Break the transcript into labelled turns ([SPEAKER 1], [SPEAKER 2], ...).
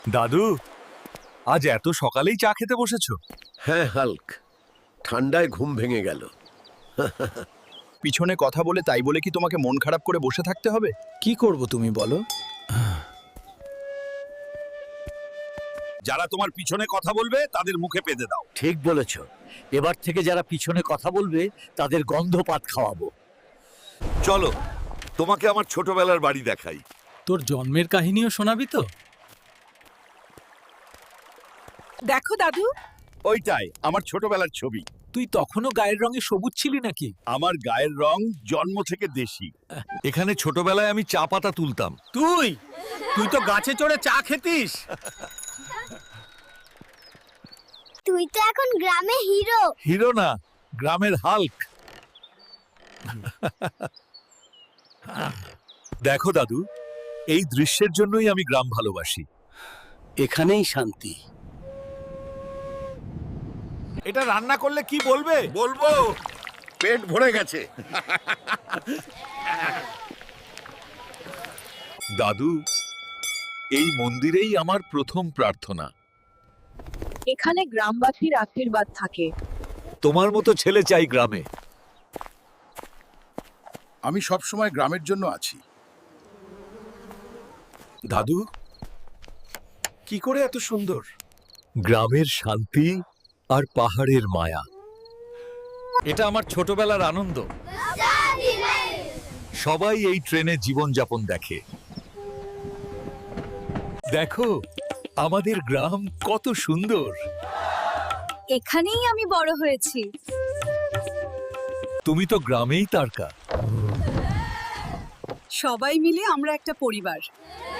[SPEAKER 1] দাদু, আজ এত সকালেই চা খেতে বসেছো?
[SPEAKER 2] হ্যাঁ হাল্ক, ঠান্ডায় ঘুম ভেঙে গেল।
[SPEAKER 3] পিছনে কথা বলে তাই বলে কি তোমাকে মন খারাপ করে বসে থাকতে হবে? কি করব তুমি বলো?
[SPEAKER 1] যারা তোমার পিছনে কথা বলবে তাদের মুখে পেতে দাও।
[SPEAKER 4] ঠিক বলেছ। এবার থেকে যারা পিছনে কথা বলবে তাদের গন্ধপাত খাওয়াবো।
[SPEAKER 1] চলো, তোমাকে আমার ছোটবেলার বাড়ি দেখাই।
[SPEAKER 5] তোর জন্মের কাহিনীও শোনাবি তো?
[SPEAKER 6] দেখো দাদু,
[SPEAKER 1] ওইটাই আমার ছোটবেলার ছবি।
[SPEAKER 5] তুই তখনও গায়ের রঙে সবুজ ছিলি নাকি?
[SPEAKER 1] আমার গায়ের রং জন্ম থেকে দেশি। এখানে ছোটবেলায় আমি চা পাতা তুলতাম।
[SPEAKER 5] তুই তুই তো গাছে চড়ে চা খেতিস।
[SPEAKER 7] তুই তো এখন গ্রামে হিরো।
[SPEAKER 1] হিরো না, গ্রামের হাল্ক। দেখো দাদু, এই দৃশ্যের জন্যই আমি গ্রাম ভালোবাসি।
[SPEAKER 4] এখানেই শান্তি।
[SPEAKER 1] এটা রান্না করলে কি বলবে?
[SPEAKER 2] বলবো, পেট ভরে গেছে।
[SPEAKER 1] দাদু, এই মন্দিরেই আমার প্রথম প্রার্থনা।
[SPEAKER 6] এখানে গ্রামবাসীর আশীর্বাদ থাকে।
[SPEAKER 1] তোমার মতো ছেলে চাই গ্রামে।
[SPEAKER 3] আমি সব সময় গ্রামের জন্য আছি।
[SPEAKER 1] দাদু, কি করে এত সুন্দর? গ্রামের শান্তি আর পাহাড়ের মায়া। এটা আমার ছোটবেলার আনন্দ। সবাই এই ট্রেনে জীবনযাপন দেখে। দেখো, আমাদের গ্রাম কত সুন্দর।
[SPEAKER 7] এখানেই আমি বড় হয়েছি।
[SPEAKER 1] তুমি তো গ্রামেই তারকা।
[SPEAKER 6] সবাই মিলে আমরা একটা পরিবার।